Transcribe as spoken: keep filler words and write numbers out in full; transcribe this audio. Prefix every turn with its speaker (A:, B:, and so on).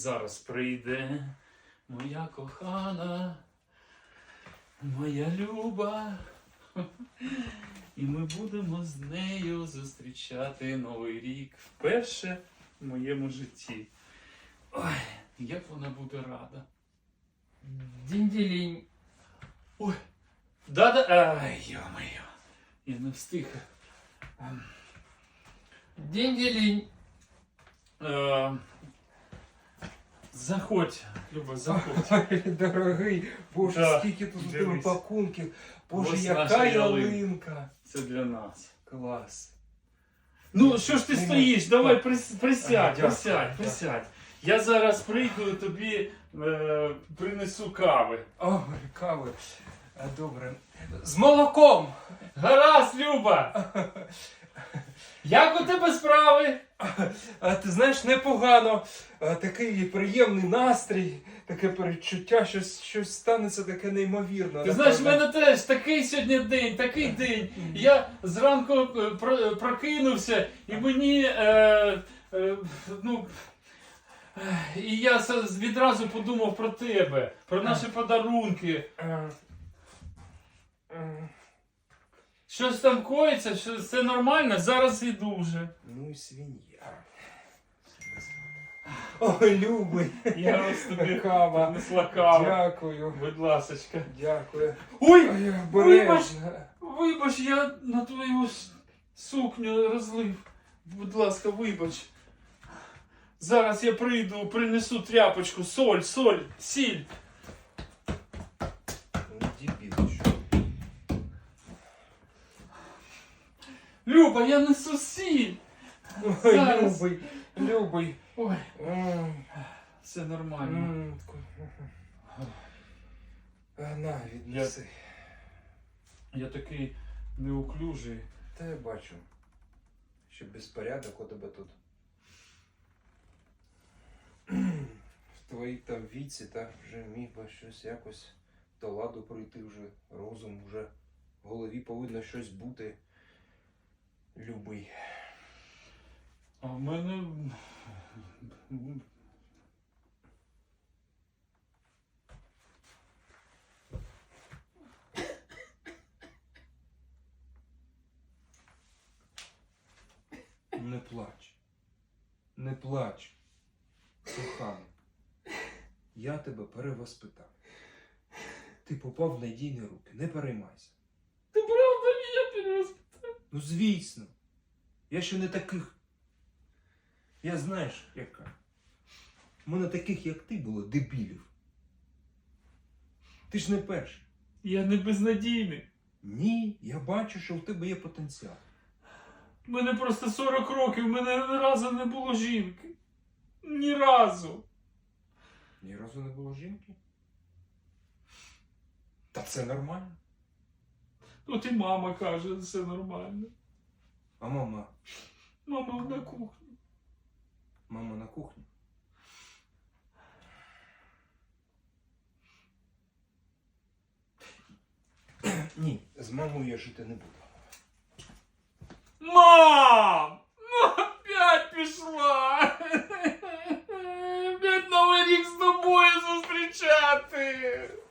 A: зараз прийде моя кохана, моя Люба. І ми будемо з нею зустрічати Новий рік вперше в моєму житті. Ой, як вона буде рада.
B: Дінь-ділінь.
A: Ой, да-да, ай, йо-моє, я не встиг.
B: Дінь-ділінь.
A: Е, Заходь, Люба, заходь.
B: Ой, дорогий, боже,
A: Да,
B: скільки тут у тебе
A: дивись.
B: пакунків. Боже,
A: Ось
B: яка
A: наша ялинка.
B: ялинка.
A: Це для нас.
B: Клас.
A: Ну, що ж ти
B: Нема.
A: стоїш? Давай прис- присядь,
B: Ага, дякую,
A: присядь,
B: дякую.
A: присядь. Я зараз прийду і тобі е, принесу кави.
B: Ой, кави. А, добре. З молоком.
A: Гаразд, Люба! Як у тебе справи?
B: А ти знаєш, непогано. А, такий приємний настрій, таке передчуття, щось, щось станеться таке неймовірне.
A: Ти знаєш, в мене теж такий сьогодні день, такий день. Я зранку е, про- прокинувся і мені. Е, е, ну, е, і я с- відразу подумав про тебе, про наші подарунки.
B: А, а,
A: Щось там коїться, що все нормально, зараз іду вже.
B: Ну і свинья. Ой, любий.
A: Я ось тобі
B: Кава.
A: принесла каву.
B: Дякую.
A: Будь ласочка.
B: Дякую.
A: Ой!
B: Ой,
A: Вибач,
B: обережно.
A: вибач, я на твою с- сукню розлив. Будь ласка, вибач. Зараз я прийду, принесу тряпочку, соль, соль, сіль.
B: Ну, дебіл, що?
A: Люба, я несу сіль.
B: Ой,
A: Зараз.
B: любий, любий.
A: Ой,
B: М,
A: все нормально.
B: м, А, на, віднеси.
A: Я такий неуклюжий.
B: Та я бачу, що безпорядок у тебе тут. В твоїй там віці, так, вже міг би щось якось до ладу прийти вже, розум вже, в голові повинно щось бути. Любий.
A: А в мене.
B: Не плач. Не плач. Коханий. Я тебе перевоспитав. Ти попав в надійні руки. Не переймайся.
A: Ти правда мене перевоспитав?
B: Ну звісно. Я ще не таких. Я знаєш, яка. У мене таких, як ти, було дебілів. Ти ж не перший.
A: Я не безнадійний.
B: Ні, я бачу, що в тебе є потенціал.
A: У мене просто сорок років, в мене ні разу не було жінки. Ні разу.
B: Ні разу не було жінки. Та це нормально.
A: От і мама каже, все нормально.
B: А мама?
A: Мама на кухні.
B: Мама на кухні. Ні, з мамою я жити не буду.
A: Мам! Ну опять пішла! Опять Новий рік з тобою зустрічати!